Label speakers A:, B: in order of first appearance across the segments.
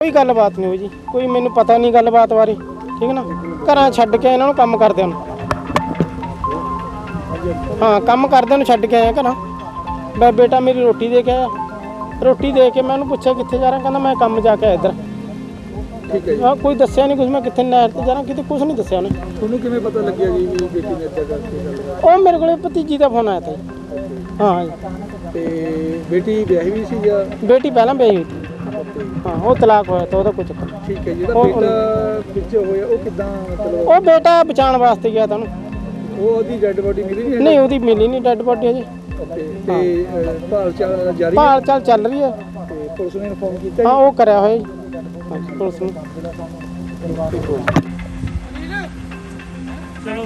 A: कोई गलबात नहीं हुई जी, कोई मैनू पता नहीं गलबात बारे, ठीक है ना। घर छड्ड के इन्होंने काम करदे हाँ काम करदे छड्ड के आया घर। मैं बेटा मेरी रोटी दे के आया, रोटी दे के मैं उन्होंने पूछा कित्थे जा रहा, कहना मैं काम जाके आया इधर।
B: ठीक है।
A: हाँ कोई दस्या नहीं कुछ, मैं कित्थे नहर ते जा रहा किते कुछ नहीं दस्या उन्हें।
B: ਤੁਹਾਨੂੰ ਕਿਵੇਂ ਪਤਾ ਲੱਗਿਆ ਜੀ ਕਿ ਬੇਟੀ ਨੇ ਇੱਦਾਂ ਕਰਕੇ ਗੱਲ
A: ਉਹ ਮੇਰੇ ਕੋਲੇ ਭਤੀਜੀ ਦਾ ਫੋਨ ਆਇਆ ਤਾ ਜੀ। ਹਾਂ ਜੀ।
B: ਤੇ ਬੇਟੀ ਵਿਆਹੀ ਵੀ ਸੀ ਜਾਂ
A: ਬੇਟੀ ਪਹਿਲਾਂ ਵਿਆਹੀ ਹੋਈ ਸੀ। ਹਾਂ ਉਹ ਤਲਾਕ ਹੋਇਆ ਤਾਂ ਉਹਦਾ ਕੋਈ ਚੱਕਰ ਨਹੀਂ।
B: ਠੀਕ ਹੈ। ਜਿਹੜਾ ਬੇਟਾ ਪਿੱਛੇ ਹੋਇਆ ਉਹ ਕਿੱਦਾਂ ਮਤਲਬ
A: ਉਹ ਬੇਟਾ ਬਚਾਉਣ ਵਾਸਤੇ ਗਿਆ ਤਾਂ
B: ਉਹ ਉਹਦੀ ਡੈੱਡ ਬੋਡੀ ਮਿਲੀ
A: ਨਹੀਂ ਉਹਦੀ ਮਿਲੀ ਨਹੀਂ ਡੈੱਡ ਬੋਡੀ ਅਜੇ।
B: ਤੇ ਭਾਲ ਚਾਲ ਜਾਰੀ
A: ਭਾਲ ਚਾਲ ਚੱਲ ਰਹੀ ਹੈ।
B: ਤੇ ਪੁਲਿਸ ਨੇ ਇਨਫੋਰਮ ਕੀਤਾ
A: ਹਾਂ ਉਹ ਕਰਿਆ ਹੋਇਆ ਜੀ ਪੁਲਿਸ ਨੂੰ।
C: ਚਲੋ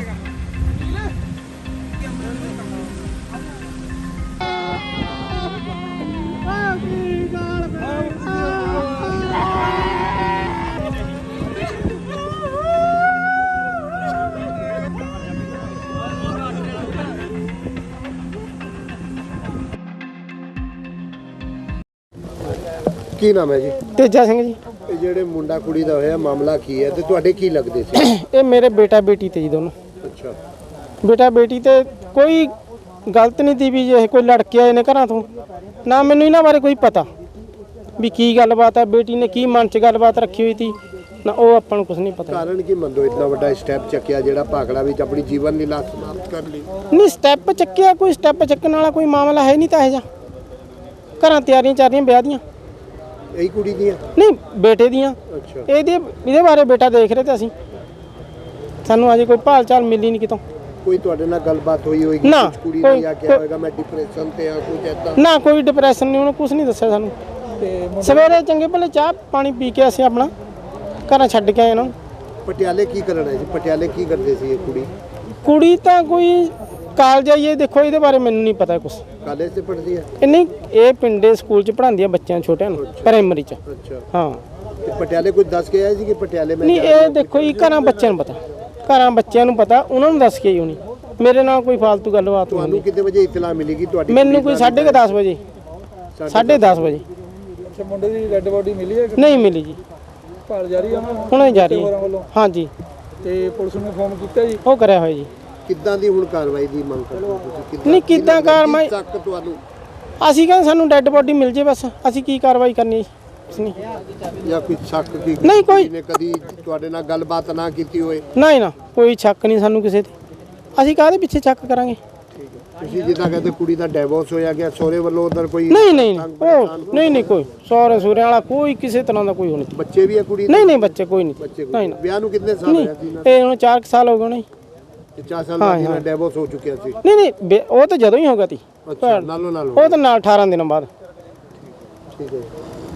D: ਕੀ ਨਾਮ ਹੈ ਜੀ?
A: ਤੇਜਾ ਸਿੰਘ ਜੀ।
D: ਇਹ ਜਿਹੜੇ ਮੁੰਡਾ ਕੁੜੀ ਦਾ ਹੋਇਆ ਮਾਮਲਾ ਕੀ ਹੈ ਤੇ ਤੁਹਾਡੇ ਕੀ ਲੱਗਦੇ ਸੀ?
A: ਇਹ ਮੇਰੇ ਬੇਟਾ ਬੇਟੀ ਤੇ ਜੀ ਦੋਨੋਂ।
D: ਅੱਛਾ।
A: ਬੇਟਾ ਬੇਟੀ ਤੇ ਕੋਈ ਗਲਤ ਨਹੀਂ ਤੀ ਵੀ ਜੇ ਕੋਈ ਲੜਕੇ ਆਏ ਨੇ ਘਰਾਂ ਤੋਂ, ਨਾ ਮੈਨੂੰ ਇਹਨਾਂ ਬਾਰੇ ਕੋਈ ਪਤਾ ਵੀ ਕੀ ਗੱਲਬਾਤ ਹੈ, ਬੇਟੀ ਨੇ ਕੀ ਮਨ 'ਚ ਗੱਲਬਾਤ ਰੱਖੀ ਹੋਈ ਸੀ ਨਾ, ਉਹ ਆਪਾਂ ਨੂੰ ਕੁਝ ਨਹੀਂ ਪਤਾ।
D: ਕਾਰਨ ਕੀ ਮੰਨੋ ਇਤਨਾ ਵੱਡਾ ਸਟੈਪ ਚੱਕਿਆ ਜਿਹੜਾ ਭਾਖੜਾ ਵਿੱਚ ਆਪਣੀ ਜੀਵਨ ਲੀਲਾ ਸਮਾਪਤ ਕਰ ਲਈ?
A: ਨਹੀਂ ਸਟੈਪ ਚੱਕਿਆ, ਕੋਈ ਸਟੈਪ ਚੱਕਣ ਵਾਲਾ ਕੋਈ ਮਾਮਲਾ ਹੈ ਨਹੀਂ ਤਾਂ ਇਹ ਜਾ। ਘਰਾਂ ਤਿਆਰੀਆਂ ਚੱਲ ਰਹੀਆਂ ਵਿਆਹ ਦੀਆਂ।
D: ਇਹੀ ਕੁੜੀ ਦੀਆਂ?
A: ਨਹੀਂ ਬੇਟੇ ਦੀਆਂ।
D: ਅੱਛਾ।
A: ਇਹਦੇ ਬਾਰੇ ਬੇਟਾ ਦੇਖ ਰਹੇ ਤੇ ਅਸੀਂ, ਸਾਨੂੰ ਅਜੇ ਕੋਈ ਭਾਲ ਚਾਲ ਮਿਲੀ ਨਹੀਂ ਕਿਤੋਂ।
D: ਕੋਈ ਤੁਹਾਡੇ ਨਾਲ ਗੱਲਬਾਤ ਹੋਈ ਹੋਏਗੀ?
A: ਨਾ,
D: ਕੁਛ ਕੁੜੀ ਨੇ ਕਿਹਾ ਹੋਵੇਗਾ ਮੈਂ ਡਿਪਰੈਸ਼ਨ ਤੇ ਆ ਕੁਝ ਐਦਾਂ?
A: ਨਾ ਕੋਈ ਡਿਪਰੈਸ਼ਨ ਨਹੀਂ, ਉਹਨੇ ਕੁਝ ਨਹੀਂ ਦੱਸਿਆ ਸਾਨੂੰ।
B: ਤੇ
A: ਸਵੇਰੇ ਚੰਗੇ ਭਲੇ ਚਾਹ ਪਾਣੀ ਪੀ ਕੇ ਅਸੀਂ ਆਪਣਾ ਘਰਾਂ ਛੱਡ ਕੇ ਆਏ ਇਹਨਾਂ ਨੂੰ।
D: ਪਟਿਆਲੇ ਕੀ ਕਰਨਾ ਹੈ ਜੀ? ਪਟਿਆਲੇ ਕੀ ਕਰਦੇ ਸੀ ਇਹ ਕੁੜੀ?
A: ਕੁੜੀ ਤਾਂ ਕੋਈ ਕਾਲਜ ਆਈਏ, ਦੇਖੋ ਇਹਦੇ ਬਾਰੇ ਮੈਨੂੰ ਨਹੀਂ ਪਤਾ ਕੁਝ।
D: ਕਾਲਜ ਤੇ ਪੜ੍ਹਦੀ ਹੈ?
A: ਇਹ ਨਹੀਂ, ਇਹ ਪਿੰਡੇ ਸਕੂਲ 'ਚ ਪੜ੍ਹਾਉਂਦੀ ਆ ਬੱਚਿਆਂ ਛੋਟਿਆਂ ਨੂੰ, ਪ੍ਰਾਇਮਰੀ 'ਚ।
D: ਅੱਛਾ।
A: ਹਾਂ
D: ਤੇ ਪਟਿਆਲੇ ਕੁਝ ਦੱਸ ਕੇ ਆਏ ਸੀ ਕਿ ਪਟਿਆਲੇ ਮੈਂ
A: ਨਹੀਂ, ਇਹ ਦੇਖੋ ਜੀ ਘਰਾਂ ਬੱਚਿਆਂ ਨੂੰ ਪਤਾ, ਘਰਾਂ ਬੱਚਿਆਂ ਨੂੰ ਪਤਾ, ਉਹਨਾਂ ਨੂੰ ਦੱਸ ਕੇ ਹੀ ਹੋਣੀ। ਮੇਰੇ ਨਾਲ ਕੋਈ ਫालतू ਗੱਲਬਾਤ ਨਹੀਂ
D: ਤੁਹਾਨੂੰ
A: ਹੁੰਦੀ।
D: ਕਿੰਨੇ ਵਜੇ ਇਤਲਾ ਮਿਲੇਗੀ ਤੁਹਾਡੀ?
A: ਮੈਨੂੰ ਕੋਈ 10:30 ਵਜੇ, 10:30 ਵਜੇ।
B: ਅੱਛਾ। ਮੁੰਡੇ ਦੀ ਡੈੱਡ ਬੋਡੀ ਮਿਲੀ ਹੈ?
A: ਨਹੀਂ ਮਿਲੀ ਜੀ,
B: ਭਾਲ ਜਾਰੀ ਹੈ
A: ਹੁਣੇ ਜਾਰੀ ਹੈ। ਹਾਂਜੀ।
B: ਤੇ ਪੁਲਿਸ ਨੂੰ ਇਨਫੋਰਮ ਕੀਤਾ ਜੀ?
A: ਉਹ ਕਰਿਆ ਹੋਇਆ ਜੀ।
D: ਕਿੱਦਾਂ ਦੀ ਹੁਣ ਕਾਰਵਾਈ ਦੀ ਮੰਗ ਕਰਦੇ ਹੋ ਤੁਸੀਂ?
A: ਨਹੀਂ ਕਿੱਦਾਂ ਕਾਰਵਾਈ,
D: ਤੱਕ ਤੁਹਾਨੂੰ
A: ਅਸੀਂ ਕਹਿੰਦੇ ਸਾਨੂੰ ਡੈੱਡ ਬੋਡੀ ਮਿਲ ਜੇ ਬਸ, ਅਸੀਂ ਕੀ ਕਾਰਵਾਈ ਕਰਨੀ ਹੈ ਕੁਛ ਨਹੀਂ।
D: ਜਾਂ ਕੋਈ ਸ਼ੱਕ ਕੀ
A: ਨਹੀਂ, ਕੋਈ
D: ਨੇ ਕਦੀ ਤੁਹਾਡੇ ਨਾਲ ਗੱਲਬਾਤ ਨਾ ਕੀਤੀ ਹੋਏ?
A: ਨਹੀਂ ਨਾ, ਕੋਈ ਸ਼ੱਕ ਨਹੀਂ ਸਾਨੂੰ ਕਿਸੇ ਤੇ, ਅਸੀਂ ਕਾਹਦੇ ਪਿੱਛੇ ਸ਼ੱਕ ਕਰਾਂਗੇ।
D: ਤੁਸੀਂ ਜਿੱਦਾਂ ਕਹਿੰਦੇ ਕੁੜੀ ਦਾ ਡਿਵੋਰਸ ਹੋਇਆ ਗਿਆ ਸਹੁਰੇ ਵੱਲੋਂ, ਉਧਰ ਕੋਈ
A: ਨਹੀਂ ਨਹੀਂ ਉਹ ਨਹੀਂ ਕੋਈ ਸਹੁਰੇ ਸੂਰਿਆਂ ਵਾਲਾ ਕੋਈ ਕਿਸੇ ਤਰ੍ਹਾਂ ਦਾ ਕੋਈ ਹੋਣੀ।
D: ਬੱਚੇ ਵੀ ਹੈ ਕੁੜੀ ਦੇ?
A: ਨਹੀਂ ਬੱਚੇ ਕੋਈ ਨਹੀਂ।
D: ਬੱਚੇ
A: ਨਹੀਂ
D: ਕੋਈ? ਵਿਆਹ ਨੂੰ ਕਿੰਨੇ ਸਾਲ ਹੋਇਆ ਸੀ?
A: ਇਹ ਹੁਣ 4 ਸਾਲ ਹੋ ਗਏ ਨੇ।
D: 4 ਸਾਲ ਬਾਅਦ ਇਹਨਾਂ ਡਿਵੋਰਸ ਹੋ ਚੁੱਕਿਆ ਸੀ?
A: ਨਹੀਂ ਉਹ ਤਾਂ ਜਦੋਂ ਹੀ ਹੋ ਗਿਆ ਸੀ।
D: ਅੱਛਾ। ਨਾਲੋਂ ਨਾਲ
A: ਉਹ ਤਾਂ ਨਾਲ 18 ਦਿਨਾਂ ਬਾਅਦ।
D: ਠੀਕ ਹੈ।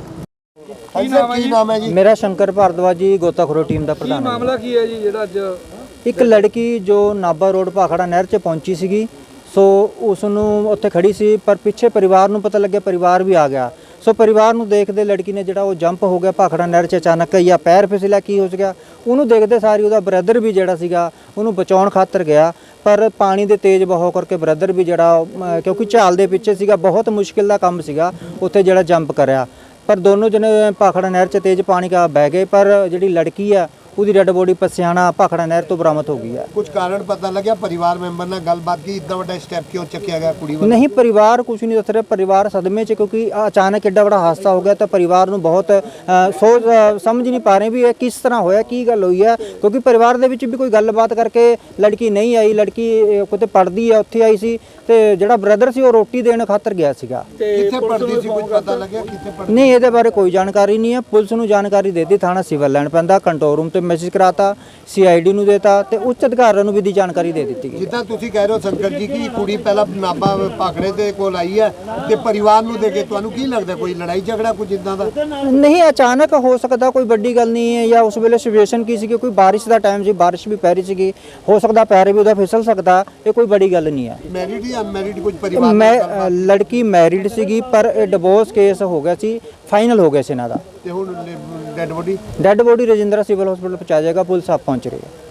D: ਕੀ ਨਾਮ ਹੈ ਜੀ?
E: ਮੇਰਾ ਸ਼ੰਕਰ ਭਾਰਦਵਾਜ ਜੀ, ਗੋਤਾਖੋਰੀ ਟੀਮ ਦਾ ਪ੍ਰਧਾਨ।
B: ਮਾਮਲਾ ਕੀ ਹੈ ਜੀ ਜਿਹੜਾ ਅੱਜ
E: ਇੱਕ ਲੜਕੀ ਜੋ ਨਾਭਾ ਰੋਡ ਭਾਖੜਾ ਨਹਿਰ 'ਚ ਪਹੁੰਚੀ ਸੀਗੀ, ਸੋ ਉਸ ਨੂੰ ਉੱਥੇ ਖੜੀ ਸੀ, ਪਰ ਪਿੱਛੇ ਪਰਿਵਾਰ ਨੂੰ ਪਤਾ ਲੱਗਿਆ, ਪਰਿਵਾਰ ਵੀ ਆ ਗਿਆ। ਸੋ ਪਰਿਵਾਰ ਨੂੰ ਦੇਖਦੇ ਲੜਕੀ ਨੇ ਜਿਹੜਾ ਉਹ ਜੰਪ ਹੋ ਗਿਆ ਭਾਖੜਾ ਨਹਿਰ 'ਚ ਅਚਾਨਕ, ਜਾਂ ਪੈਰ ਫਿਸਲਿਆ ਕੀ ਹੋ ਗਿਆ, ਉਹਨੂੰ ਦੇਖਦੇ ਸਾਰੀ ਉਹਦਾ ਬ੍ਰਦਰ ਵੀ ਜਿਹੜਾ ਸੀਗਾ ਉਹਨੂੰ ਬਚਾਉਣ ਖਾਤਰ ਗਿਆ, ਪਰ ਪਾਣੀ ਦੇ ਤੇਜ਼ ਬਹਾਅ ਕਰਕੇ ਬ੍ਰਦਰ ਵੀ ਜਿਹੜਾ ਕਿਉਂਕਿ ਝਾਲ ਦੇ ਪਿੱਛੇ ਸੀਗਾ, ਬਹੁਤ ਮੁਸ਼ਕਿਲ ਦਾ ਕੰਮ ਸੀਗਾ ਉੱਥੇ ਜਿਹੜਾ ਜੰਪ ਕਰਿਆ, ਪਰ ਦੋਨੋਂ ਜਣੇ ਭਾਖੜਾ ਨਹਿਰ 'ਚ ਤੇਜ਼ ਪਾਣੀ ਕਾ ਬਹਿ ਗਏ, ਪਰ ਜਿਹੜੀ ਲੜਕੀ ਆ ਉਹਦੀ ਡੈੱਡ ਬੋਡੀ ਪਸਿਆਣਾ ਭਾਖੜਾ ਨਹਿਰ ਤੋਂ ਬਰਾਮਦ ਹੋ ਗਈ ਹੈ।
D: ਕੁਝ ਕਾਰਨ ਪਤਾ ਲੱਗਿਆ? ਪਰਿਵਾਰ ਮੈਂਬਰ ਨਾਲ ਗੱਲਬਾਤ ਕੀ ਇਦਾਂ ਵੱਡਾ ਸਟੈਪ ਕਿਉਂ ਚੱਕਿਆ ਗਿਆ ਕੁੜੀ ਵੱਲੋਂ?
E: ਨਹੀਂ, ਪਰਿਵਾਰ ਕੁਝ ਨਹੀਂ ਦੱਸ ਰਿਹਾ, ਪਰਿਵਾਰ ਸਦਮੇ 'ਚ, ਕਿਉਂਕਿ ਅਚਾਨਕ ਐਡਾ ਵੱਡਾ ਹਾਦਸਾ ਹੋ ਗਿਆ ਤਾਂ ਪਰਿਵਾਰ ਨੂੰ ਬਹੁਤ ਸੋਚ ਸਮਝ ਨਹੀਂ ਪਾ ਰਹੇ ਵੀ ਇਹ ਕਿਸ ਤਰ੍ਹਾਂ ਹੋਇਆ, ਕੀ ਗੱਲ ਹੋਈ ਹੈ, ਕਿਉਂਕਿ ਪਰਿਵਾਰ ਦੇ ਵਿੱਚ ਵੀ ਕੋਈ ਗੱਲਬਾਤ ਕਰਕੇ ਲੜਕੀ ਨਹੀਂ ਆਈ, ਲੜਕੀ ਕਿਤੇ ਪੜ੍ਹਦੀ ਹੈ ਉੱਥੇ ਆਈ ਸੀ, ਤੇ ਜਿਹੜਾ ਬ੍ਰਦਰ ਸੀ ਉਹ ਰੋਟੀ ਦੇਣ ਖਾਤਰ ਗਿਆ ਸੀਗਾ।
D: ਕਿੱਥੇ ਪੜ੍ਹਦੀ ਸੀ ਕੁਝ ਪਤਾ ਲੱਗਿਆ? ਕਿੱਥੇ ਪੜ੍ਹਦੀ?
E: ਨਹੀਂ, ਇਹਦੇ ਬਾਰੇ ਕੋਈ ਜਾਣਕਾਰੀ ਨਹੀਂ ਹੈ। ਪੁਲਿਸ ਨੂੰ ਜਾਣਕਾਰੀ ਦੇਤੀ, ਥਾਣਾ ਸਿਵਲ ਲਾਈਨ ਪੈਂਦਾ, ਕੰਟਰੋਲ ਰੂਮ ਤੇ ਮੈਸੇਜ ਕਰਾਤਾ, CID ਨੂੰ ਦੇਤਾ ਤੇ ਉੱਚ ਅਧਿਕਾਰੀਆਂ ਨੂੰ ਵੀ ਦੀ ਜਾਣਕਾਰੀ ਦੇ ਦਿੱਤੀ ਗਈ।
D: ਜਿੱਦਾਂ ਤੁਸੀਂ ਕਹਿ ਰਹੇ ਹੋ ਸ਼ੰਕਰ ਜੀ ਕਿ ਕੁੜੀ ਪਹਿਲਾਂ ਨਾਭਾ ਭਾਖੜੇ ਦੇ ਕੋਲ ਆਈ ਹੈ ਤੇ ਪਰਿਵਾਰ ਨੂੰ ਦੇ ਕੇ, ਤੁਹਾਨੂੰ ਕੀ ਲੱਗਦਾ ਕੋਈ ਲੜਾਈ ਝਗੜਾ ਕੁਝ ਇਦਾਂ ਦਾ?
E: ਨਹੀਂ, ਅਚਾਨਕ ਹੋ ਸਕਦਾ, ਕੋਈ ਵੱਡੀ ਗੱਲ ਨਹੀਂ ਹੈ, ਜਾਂ ਉਸ ਵੇਲੇ ਸਿਚੁਏਸ਼ਨ ਕੀ ਸੀ, ਕੋਈ ਬਾਰਿਸ਼ ਦਾ ਟਾਈਮ ਸੀ, ਬਾਰਿਸ਼ ਵੀ ਪੈ ਰਹੀ ਸੀਗੀ, ਹੋ ਸਕਦਾ ਪੈਰ ਵੀ ਉਹਦਾ ਫਿਸਲ ਸਕਦਾ, ਇਹ ਕੋਈ ਵੱਡੀ ਗੱਲ ਨਹੀਂ ਹੈ।
D: ਮੈਰਿਡ ਜਾਂ ਅਨਮੈਰਿਡ ਕੁਝ ਪਰਿਵਾਰ?
E: ਮੈਂ ਲੜਕੀ ਮੈਰਿਡ ਸੀਗੀ, ਪਰ ਇਹ ਡਿਵੋਰਸ ਕੇਸ ਹੋ ਗਿਆ ਸੀ, ਫਾਈਨਲ ਹੋ ਗਿਆ ਸੀ ਇਹਨਾਂ ਦਾ।
D: ਤੇ ਹੁਣ dead body
E: Rajindra civil hospital ਪਹੁੰਚਾਇਆ ਜਾਏਗਾ, ਪੁਲਿਸ ਆਪ ਪਹੁੰਚ ਰਹੀ ਹੈ।